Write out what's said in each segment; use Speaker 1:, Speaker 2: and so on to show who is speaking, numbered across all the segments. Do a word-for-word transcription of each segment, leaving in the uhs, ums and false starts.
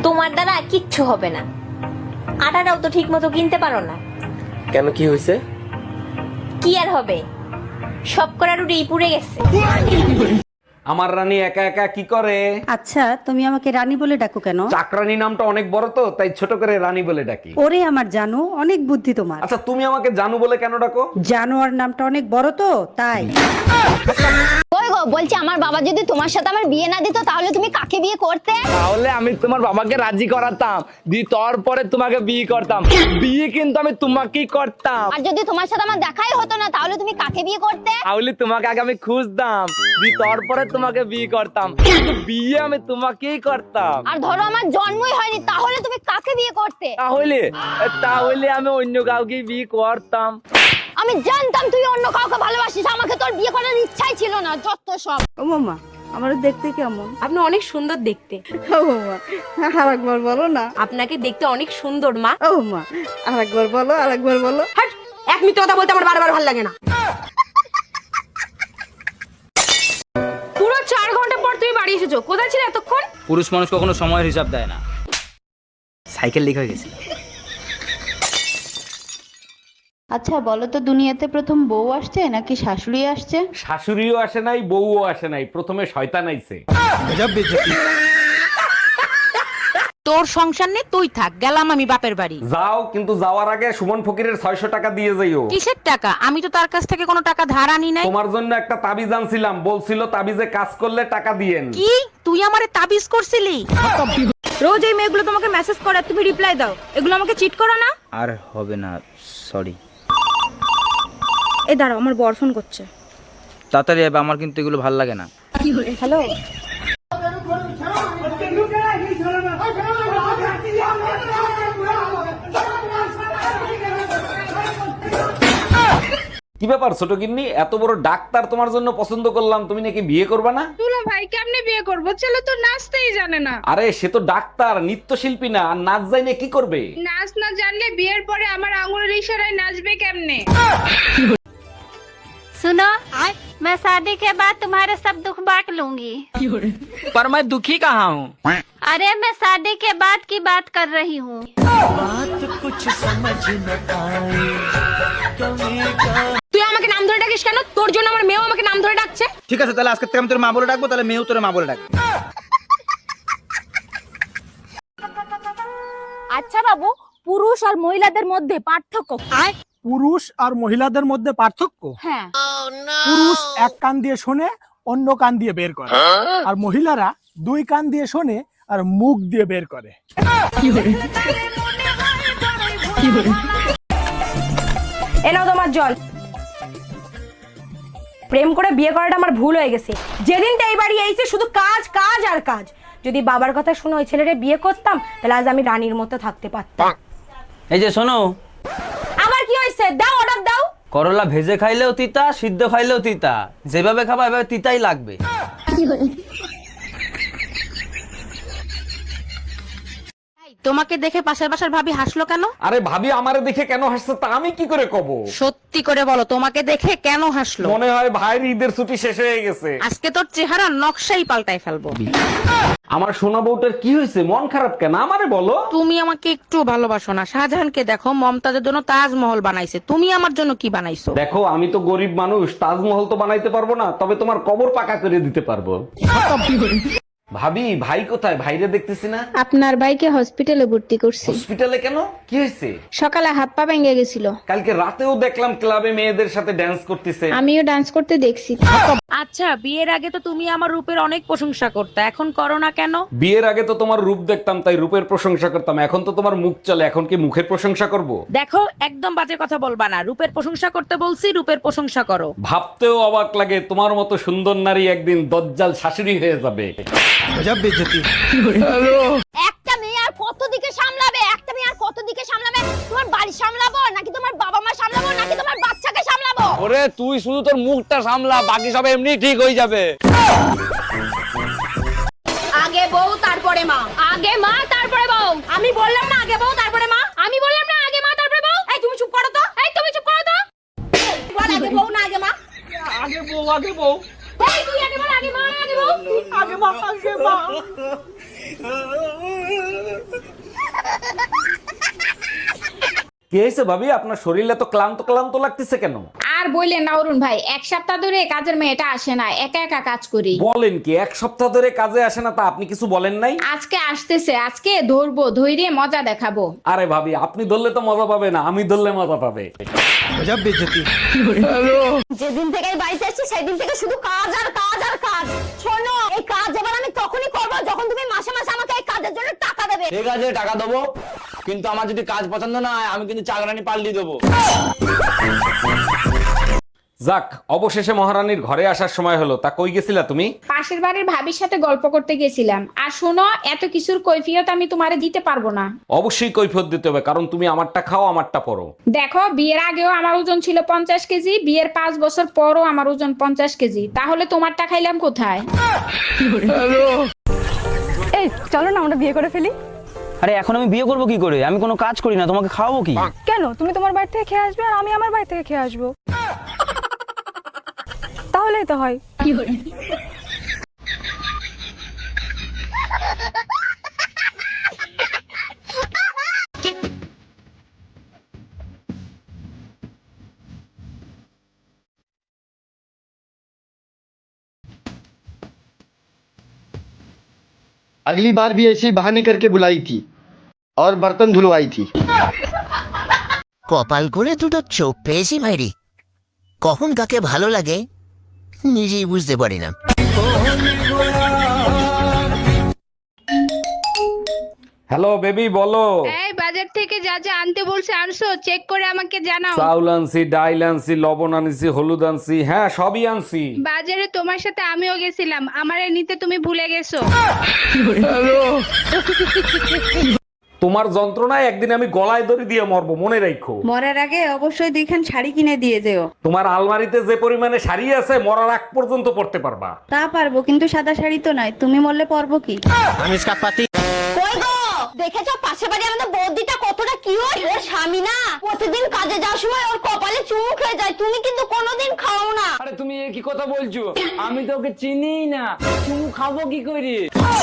Speaker 1: তোমার দ্বারা কিচ্ছু হবে না, আটাটাও তো ঠিক মতো কিনতে পারো না।
Speaker 2: কেন, কি হয়েছে?
Speaker 1: কি আর হবে, সব করা রুটি পুড়ে গেছে।
Speaker 3: আমার রানী একা একা কি করে?
Speaker 4: আচ্ছা, তুমি আমাকে রানী বলে ডাকো কেন?
Speaker 3: চাকরানী নামটা অনেক বড় তো, তাই ছোট করে রানী বলে ডাকি।
Speaker 4: ওরে আমার জানো, অনেক বুদ্ধি তোমার।
Speaker 3: আচ্ছা, তুমি আমাকে জানু বলে কেন ডাকো?
Speaker 4: জানোয়ার নামটা অনেক বড় তো, তাই।
Speaker 5: ওই গো, বলছি আমার বাবা যদি তোমার সাথে আমার বিয়ে না দিত তাহলে তুমি কাকে বিয়ে করতে?
Speaker 6: তাহলে আমি তোমার বাবাকে রাজি করাতাম, দি তারপরে তোমাকে বিয়ে করতাম। বিয়ে কিন্তু আমি তোমাকেই করতাম।
Speaker 5: আর যদি তোমার সাথে আমার দেখাই হতো না তাহলে তুমি কাকে বিয়ে করতে?
Speaker 6: তাহলে তোমাকে আগে আমি খুঁজতাম, দি তারপরে তোমাকে বিয়ে করতাম, কিন্তু বিয়ে আমি তোমাকেই করতাম।
Speaker 5: আর ধরো আমার জন্মই হয়নি তাহলে তুমি কাকে বিয়ে করতে?
Speaker 6: তাহলে তাহলে আমি অন্য কাউকে বিয়ে করতাম।
Speaker 5: আমি জানতাম তুই অন্য কাউকে ভালোবাসিস, আমাকে তোর বিয়ে করার ইচ্ছাই ছিল না, যত সব।
Speaker 4: ও মামা, আমার দেখতে কেমন?
Speaker 7: আপনি অনেক সুন্দর দেখতে।
Speaker 4: ও মামা, আরেকবার বলো না।
Speaker 7: আপনাকে দেখতে অনেক সুন্দর মা।
Speaker 4: ও মা, আরেকবার বলো, আরেকবার বলো।
Speaker 7: হাট, এক মিনিট কথা বলতে আমার বারবার ভালো লাগে না। পুরো চার ঘন্টা পর তুমি বাড়ি এসেছো, কোথায় ছিলে এতক্ষণ?
Speaker 8: পুরুষ মানুষ কখনো সময়ের হিসাব দেয় না। সাইকেল লিক হয়ে গেছে।
Speaker 9: আচ্ছা বলো তো, দুনিয়াতে প্রথম বউ আসছে নাকি শাশুড়ি আসছে?
Speaker 3: শাশুড়িও আসে নাই, বউও আসে নাই, প্রথমে শয়তান আইছে।
Speaker 10: তোর সংসার নেই, তুই থাক, গেলাম আমি বাপের বাড়ি।
Speaker 3: যাও, কিন্তু যাওয়ার আগে সুমন ফকিরের ছয়শো টাকা দিয়ে যাইও।
Speaker 10: কিসের টাকা? আমি তো তার কাছ থেকে কোনো টাকা ধার আনি নাই।
Speaker 3: তোমার জন্য একটা তাবিজ আনছিলাম, বলছিল তাবিজে কাজ করলে টাকা দিয়েন।
Speaker 10: কি তুই আমারে তাবিজ করছিলি?
Speaker 7: রোজ এই মেয়েগুলো তোমাকে মেসেজ করে তুমি রিপ্লাই দাও, এগুলো আমাকে চিট করো না?
Speaker 8: আর হবে না, সরি।
Speaker 7: এই দাঁড়াও, আমার বর ফোন করছে।
Speaker 8: তাড়াতাড়ি আয়, আমার কিন্তু এগুলো ভালো লাগে না।
Speaker 7: হ্যালো,
Speaker 3: কি ব্যাপার ছোট গিন্নি, এত বড় ডাক্তার তোমার জন্য পছন্দ করলাম, তুমি নাকি বিয়ে করবে না?
Speaker 11: দুলা ভাই কেমনে বিয়ে করবো? ছেলে তো নাচতেই জানে না।
Speaker 3: আরে সে তো ডাক্তার, নৃত্যশিল্পী না, আর নাচ জানে কি করবে?
Speaker 11: নাচ না জানলে বিয়ের পরে আমার আঙুলের ইশারায় নাচবে কেমনে?
Speaker 9: सुनो, मैं शादी के बाद तुम्हारे सब दुख बांट लूंगी।
Speaker 6: पर मैं दुखी कहाँ हूँ?
Speaker 9: अरे मैं शादी के बाद की बात कर रही हूँ।
Speaker 7: তুই আমাকে নাম ধরে ডাকিস কেন? তোর জন্য আমার মেয়েও আমাকে নাম ধরে ডাকছে।
Speaker 8: ঠিক আছে, তাহলে আজকে থেকে আমি তোর মা বলে ডাকবো, তাহলে মেয়েও তোর মা বলে ডাকবে।
Speaker 5: আচ্ছা বাবু, পুরুষ আর মহিলাদের মধ্যে পার্থক্য?
Speaker 12: পুরুষ আর মহিলাদের মধ্যে পার্থক্য?
Speaker 5: হ্যাঁ।
Speaker 12: পুরুষ এক কান দিয়ে শোনে, অন্য কান দিয়ে বের করে, আর মহিলারা দুই কান দিয়ে শোনে আর মুখ দিয়ে বের করে।
Speaker 7: এ নাও তোমার জল। প্রেম করে বিয়ে করাটা আমার ভুল হয়ে গেছে। যেদিনটা এই বাড়ি এসেছে শুধু কাজ কাজ আর কাজ। যদি বাবার কথা শুনে ওই ছেলেটা বিয়ে করতাম তাহলে আজ আমি রানীর মতো থাকতে পারতাম।
Speaker 8: এই যে শোনো,
Speaker 7: আবার কি হয়েছে? দাও, অর্ডার দাও।
Speaker 8: করলা ভেজে খাইলেও তিতা, সিদ্ধ খাইলেও তিতা, যেভাবে খাবা এভাবে তিতাই লাগবে।
Speaker 10: তোমাকে দেখে পাশের বাসার ভাবি হাসলো কেন?
Speaker 3: আরে ভাবি আমারে দেখে কেন হাসছে তা আমি কি করে কব?
Speaker 10: সত্যি করে বলো, তোমাকে দেখে কেন হাসলো?
Speaker 3: মনে হয় ভাইয়ের ঈদের ছুটি শেষ হয়ে গেছে।
Speaker 10: আজকে তোর চেহারা নকশাই পাল্টাই ফেলবো।
Speaker 3: আমার সোনা বউটার কি হয়েছে? মন খারাপ কেন আমারে বলো।
Speaker 10: তুমি আমাকে একটু ভালোবাসো না? শাহজাহানকে দেখো, মমতাজের জন্য তাজমহল বানাইছে, তুমি আমার জন্য কি বানাইছো?
Speaker 3: দেখো আমি তো গরিব মানুষ, তাজমহল তো বানাইতে পারবো না, তবে তোমার কবর পাকা করে দিতে পারবো। ভাবি, ভাই কোথায়? ভাইরে দেখতেছি না।
Speaker 9: আপনার ভাইকে হসপিটালে ভর্তি করছি।
Speaker 3: হসপিটালে কেন? কি হয়েছে?
Speaker 9: সকালে হাত পা ভেঙে গেছিল।
Speaker 3: কালকে রাতেও দেখলাম ক্লাবে মেয়েদের সাথে ড্যান্স করতেছে।
Speaker 9: আমিও ডান্স করতে দেখছি।
Speaker 10: আচ্ছা, বিয়ের আগে তো তুমি আমার রূপের অনেক প্রশংসা করতে, এখন করো না কেন?
Speaker 3: বিয়ের আগে তো তোমার রূপ দেখতাম তাই রূপের প্রশংসা করতাম, এখন তো তোমার মুখ চলে, এখন কি মুখের প্রশংসা করব?
Speaker 10: দেখো, একদম বাজে কথা বলবা না। রূপের প্রশংসা করতে বলছি, রূপের প্রশংসা করো।
Speaker 3: ভাবতেও অবাক লাগে, তোমার মতো সুন্দর নারী একদিন দজ্জাল শাশুড়ি হয়ে যাবে।
Speaker 5: একটা মেয়ে আর কত দিকে সামলাবে? একটা মেয়ে আর কত দিকে সামলাবে? তোমার বাড়ি সামলাবো নাকি তোমার বাবা মা সামলাবো নাকি তোমার বাচ্চাকে সামলাবো?
Speaker 6: ওরে তুই শুধু তোর মুখটা সামলা, বাকি সব এমনি ঠিক হয়ে যাবে।
Speaker 7: আগে বউ তারপরে মা।
Speaker 5: আগে মা তারপরে বউ।
Speaker 7: আমি বললাম না আগে বউ তারপরে মা?
Speaker 5: আমি বললাম না আগে মা তারপরে বউ।
Speaker 7: এই তুমি চুপ করো তো।
Speaker 5: এই তুমি চুপ করো তো।
Speaker 7: বল আগে বউ না আগে মা?
Speaker 6: আগে বউ, আগে বউ।
Speaker 5: এই তুই আগে বল আগে মা আগে বউ।
Speaker 7: আগে মা, আগে মা।
Speaker 3: কি হয়েছে ভাবি, আপনার শরীর এত ক্লান্ত ক্লান্ত লাগতেছে কেন?
Speaker 11: আর বললেন না অরুণ ভাই, এক সপ্তাহ ধরে কাজের মেয়েটা আসে না, একা একা কাজ করি।
Speaker 3: বলেন কি, এক সপ্তাহ ধরে কাজে আসে না? তা আপনি কিছু বলেন নাই?
Speaker 11: আজকে আসতেছে, আজকে ধরবো, ধৈর্য মজা দেখাবো।
Speaker 3: আরে ভাবি, আপনি ধরলে তো মজা পাবে না, আমি ধরলে মজা পাবে।
Speaker 5: যেদিন থেকে এই বাড়িতে এসেছি সেদিন থেকে শুধু কাজ আর কাজ আর কাজ। শোনো, এই কাজ এবার আমি তখনই করবো যখন তুমি মাসে মাসে আমাকে এই কাজের জন্য টাকা দেবে।
Speaker 6: ঠিক আছে, টাকা দেবো, কিন্তু আমার যদি কাজ পছন্দ না হয় আমি কিন্তু চাকরানি পাল্টি দেবো।
Speaker 3: যাক, অবশেষে মহারানীর ঘরে আসার সময় হলো। তা কই গেছিলা তুমি?
Speaker 11: পাশের বাড়ির ভাবির সাথে গল্প করতে গেছিলাম। আর শোনো, এত কিছুর কৈফিয়ত আমি তোমারে দিতে পারবো না।
Speaker 3: অবশ্যই কৈফিয়ত দিতে হবে, কারণ তুমি আমারটা খাও আমারটা পরো।
Speaker 11: দেখো, বিয়ের আগেও আমার ওজন ছিল পঞ্চাশ কেজি, বিয়ের পাঁচ বছর পরও আমার ওজন পঞ্চাশ কেজি, তাহলে তোমারটা খাইলাম কোথায়?
Speaker 7: এই চলো না আমরা বিয়ে করে ফেলি।
Speaker 8: আরে এখন আমি বিয়ে করবো কি করে? আমি কোনো কাজ করি না, তোমাকে খাওয়াবো কি?
Speaker 7: কেন? তুমি তোমার বাড়ি থেকে খেয়ে আসবে আর আমি আমার বাড়ি থেকে খেয়ে আসবো, তাহলেই তো হয়।
Speaker 2: अगली बार भी ऐसे ही बहाने करके बुलाई थी और बर्तन धुलवाई थी।
Speaker 13: কপাল করে দুটো চোখ পেয়েছি ভাইরি, কখন কাকে ভালো লাগে নিজেই বুঝতে পারি না।
Speaker 3: হ্যালো বেবি, বলো।
Speaker 11: এই বাজার থেকে যা যা আনতে বলছে আনছো? চেক করে আমাকে জানাও।
Speaker 3: চাউল আনছি, ডাইল আনছি, লবণ আনছি, হলুদ আনছি, হ্যাঁ সবই আনছি।
Speaker 11: বাজারে তোমার সাথে আমিও গেছিলাম, আমারে নিতে তুমি ভুলে গেছো।
Speaker 3: তোমার যন্ত্রণায় একদিন আমি গলায় দড়ি দিয়ে মরবো, মনে রাখো।
Speaker 4: মরার আগে অবশ্যই দুইখান শাড়ি কিনে দিয়ে যেও।
Speaker 3: তোমার আলমারিতে যে পরিমাণে শাড়ি আছে মরার আগ পর্যন্ত পড়তে পারবা।
Speaker 4: তা পারবো, কিন্তু সাদা শাড়ি তো নয়। তুমি মরলে পরবো কি?
Speaker 2: हम इसका पति।
Speaker 5: কই গো, দেখেছো পাশের বাড়ি আমাদের বৌদিটা কতটা কিউট? ওর স্বামী না প্রতিদিন কাজে যাওয়ার সময় ওর কপালে চুমু খেয়ে যায়, তুমি কিন্তু কোনোদিন খাও না।
Speaker 6: আরে তুমি এ কি কথা বলছো? আমি তো ওকে চিনিই না, তুমি খাবো কি করে?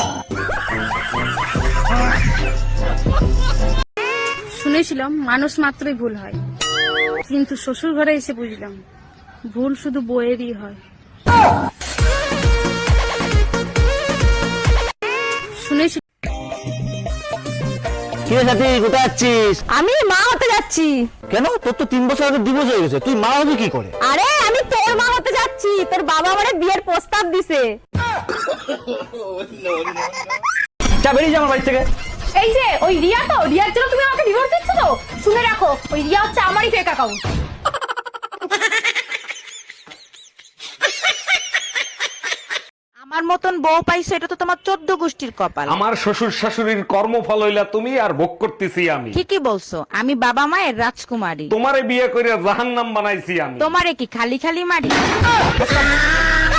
Speaker 7: শুনেছিলাম মানুষ মাত্রই ভুল হয়, কিন্তু শ্বশুর ঘরে এসে বুঝলাম ভুল শুধু বইয়েরই হয়। শুনেছি।
Speaker 8: কি রে সাথী, কোথায় যাচ্ছিস?
Speaker 5: আমি মা হতে যাচ্ছি।
Speaker 8: কেন? তোর তো তিন বছর আগে ডিভোর্স হয়ে গেছে, তুই মা হবি কি করে?
Speaker 5: আরে আমি তোর মা হতে যাচ্ছি, তোর বাবা আমারে বিয়ের প্রস্তাব দিছে।
Speaker 8: যা বেরিয়ে যা আমার বাড়ি থেকে।
Speaker 7: এই যে ওই রিয়া, তো রিয়ার জন্য তুমি আমাকে ডিভোর্স দিচ্ছ তো? শুনে রাখো, ওই রিয়া হচ্ছে আমারই ফেক অ্যাকাউন্ট।
Speaker 10: আমার মতন বউ পাইছো, এটা তো তোমার চোদ্দ গোষ্ঠীর কপাল।
Speaker 3: আমার শ্বশুর শাশুড়ির কর্মফল হইলা তুমি, আর ভোগ করতেছি আমি।
Speaker 10: ঠিকই বলছো, আমি বাবা মায়ের রাজকুমারী।
Speaker 3: তোমারে বিয়ে করে জাহান্নাম বানাইছি আমি।
Speaker 10: তোমারে কি খালি খালি মারি?